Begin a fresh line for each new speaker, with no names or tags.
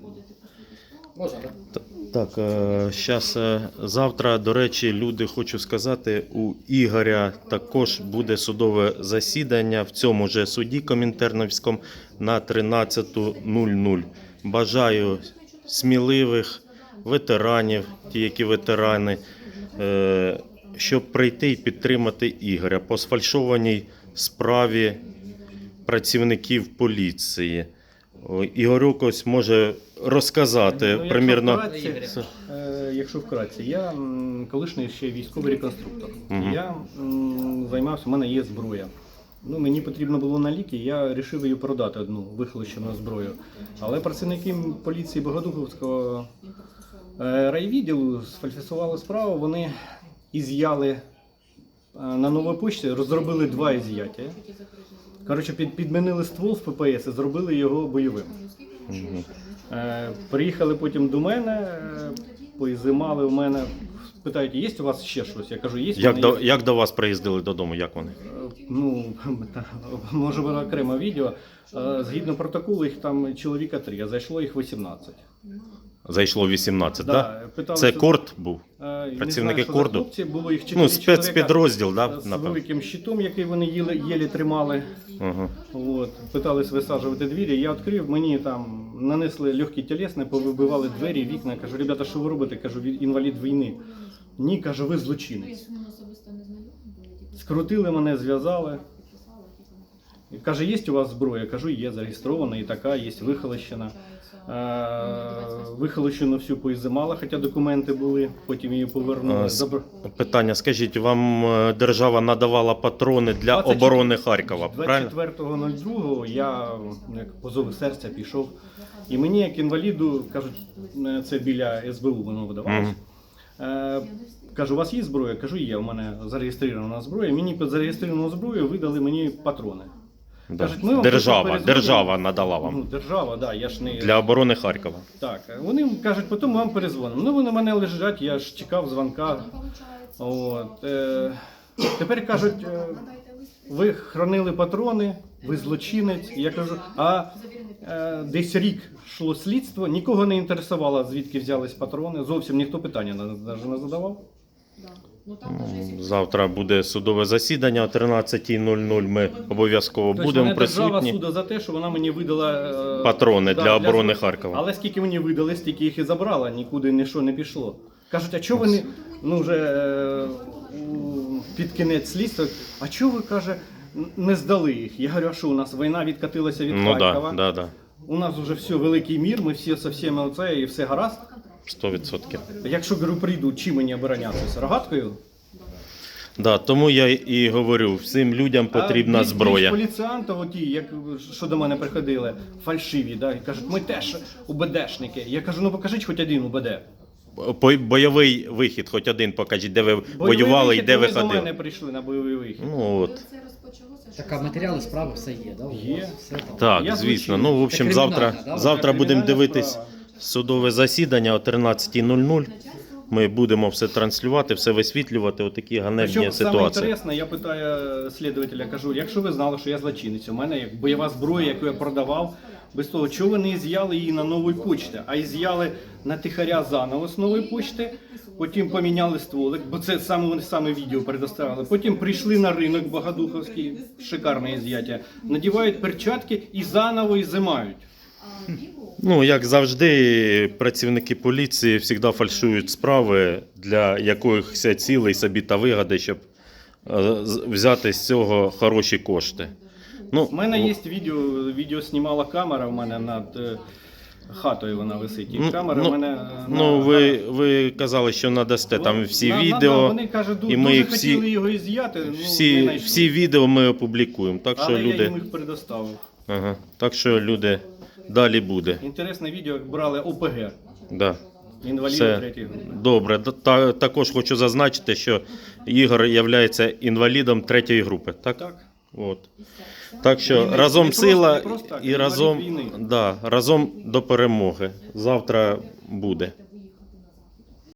Так, зараз, завтра, до речі, люди, хочу сказати, у Ігоря також буде судове засідання в цьому же суді Комінтерновському на 13:00. Бажаю сміливих ветеранів, ті, які ветерани, щоб прийти і підтримати Ігоря по сфальшованій справі працівників поліції. Ігорюк ось може розказати примірно.
Якщо вкратце, я колишній ще військовий реконструктор. Я займався, у мене є зброя. Мені потрібно було на ліки, я вирішив її продати, одну вихолощену зброю. Але працівники поліції Богодухівського райвідділу сфальсифікували справу, вони із'яли на новій почті, розробили 2 із'яття. Коротше, підмінили ствол в ППС і зробили його бойовим. Приїхали потім до мене, поізимали в мене, питають, є у вас ще щось? Я кажу, є.
Як до вас приїздили додому, як вони?
Може бути окреме відео. Згідно протоколу, їх там чоловіка 3, а зайшло їх 18.
Зайшло 18, так?
Да?
Це корд був? Працівники корду?
Хлопці, було їх 4
спецпідрозділ, так?
З великим щитом, який вони єлі тримали. Питались висаджувати двері, я відкрив, мені там нанесли легкі тілесні, повибивали двері, вікна. Кажу, ребята, що ви робите? Кажу, інвалід війни. Ні, кажу, ви злочинець. Скрутили мене, зв'язали. Каже, є у вас зброя? Кажу, є, зареєстрована і така, є вихолощена. Вихолощену всю поізимала, хоча документи були, потім її повернули.
Питання, скажіть, вам держава надавала патрони для оборони Харкова, правильно?
24.02 я, як позов серця, пішов. І мені, як інваліду, кажуть, це біля СБУ воно видавалося. Кажу, у вас є зброя? Кажу, є, у мене зареєстрована зброя. Мені під зареєстровану зброю видали мені патрони.
Да.
Кажуть,
Держава надала вам.
Держава, да, я ж не...
Для оборони Харкова.
Так, вони кажуть, потім ми вам перезвонимо. Вони мене лежать, я ж чекав дзвонка. Тепер кажуть, ви хранили патрони, ви злочинець. Я кажу, десь рік йшло слідство, нікого не інтересувало, звідки взялись патрони. Зовсім ніхто питання навіть не задавав.
Завтра буде судове засідання о 13:00. Ми обов'язково будемо присутні.
Держава суду за те, що вона мені видала
патрони для оборони Харкова.
Але скільки мені видали, стільки їх і забрала, нікуди нічого не пішло. Кажуть, а чого вони, вже під кінець слідства, а чого ви, каже, не здали їх? Я говорю, а що у нас війна відкатилася від Харкова?
Да.
У нас вже все, великий мір, ми всі со всіми оце і все гаразд.
100%.
Якщо, говорю, прийдуть, чим мені оборонятися? Рогаткою?
Да, тому я і говорю, всім людям потрібна зброя.
Поліціянти, що до мене приходили, фальшиві, да, і кажуть, ми теж УБДшники. Я кажу, покажіть хоч один УБД.
Бойовий вихід, хоч один покажіть, де ви воювали і де ви ходили.
Вони до мене прийшли на бойовий вихід.
Так, а матеріали справи все є, так?
Є.
Так, звісно. В общем, завтра будемо дивитись судове засідання о 13:00. Ми будемо все транслювати, все висвітлювати, отакі ганебні ситуації.
Саме інтересне, я питаю слідувателя, кажу, якщо ви знали, що я злочинець, у мене як бойова зброя, яку я продавав, без того, чого ви не із'яли її на новій почті, а із'яли на тихаря заново з нової почти, потім поміняли стволик, бо це саме відео предоставили, потім прийшли на ринок Богодухівський, шикарне із'яття, надівають перчатки і заново ізимають.
Як завжди, працівники поліції завжди фальшують справи для якихось цілей собі та вигоди, щоб взяти з цього хороші кошти.
У мене є відео знімала камера в мене над хатою, вона висить. І камера в мене...
Ви казали, що надасте там всі відео.
Вони кажуть,
і ми
дуже хотіли його із'яти,
всі відео ми опублікуємо. Так що
але
люди...
я їм їх предоставив.
Так що люди... Далі буде.
Інтересне відео, як брали ОПГ.
Да.
Інваліди 3-ї групи.
Добре. Також хочу зазначити, що Ігор є інвалідом 3-ї групи. Так? Так що разом сила і разом до перемоги. Завтра буде.